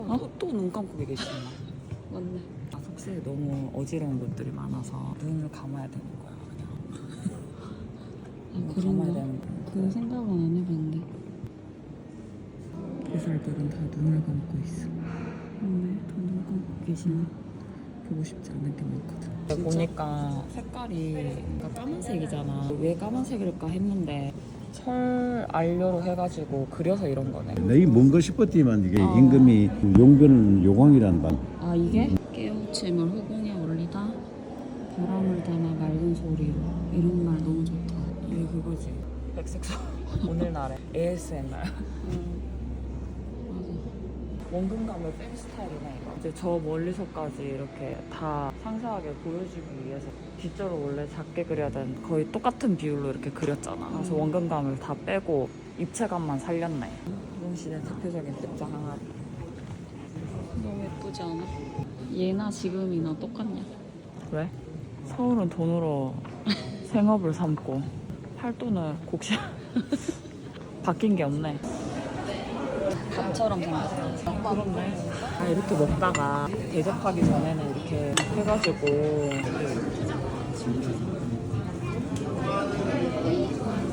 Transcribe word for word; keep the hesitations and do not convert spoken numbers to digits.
어? 또, 또 눈 감고 계시나? 맞네. 아, 속세에 너무 어지러운 것들이 많아서 눈을 감아야 되는 거야 그냥. 아, 눈을 그런가? 감아야 되는 거야. 그 생각은 안 해봤는데. 보살들은 다 눈을 감고 있어. 맞네. 다눈 감고 계시네. 보고 싶지 않은 게 많거든. 보니까 색깔이 그러니까 까만색이잖아. 왜 까만색일까 했는데 철 알료로 해가지고 그려서 이런 거네. 내가 뭔가 싶었지만 이게 어. 임금이 용변은 요광이라는 말. 아 이게? 깨우침을 후궁에 올리다 바람을 담아 맑은 소리로 이런 말 너무 좋다. 이게 그거지. 백색소. 오늘날의 에이에스엠알. 음. 맞아. 원근감을 뺀 스타일이네 이거. 이제 저 멀리서까지 이렇게 다 상세하게 보여주기 위해서 뒷절을 원래 작게 그려야 되는 거의 똑같은 비율로 이렇게 그렸잖아. 그래서 원근감을 다 빼고 입체감만 살렸네. 조선시대 대표적인 백자 항아리. 너무 예쁘지 않아? 얘나 지금이나 똑같냐? 왜? 서울은 돈으로 생업을 삼고 팔도는 곡식. 바뀐 게 없네. 밥처럼 생겼어. 그렇네. 아, 이렇게 먹다가 대접하기 전에는 이렇게 해가지고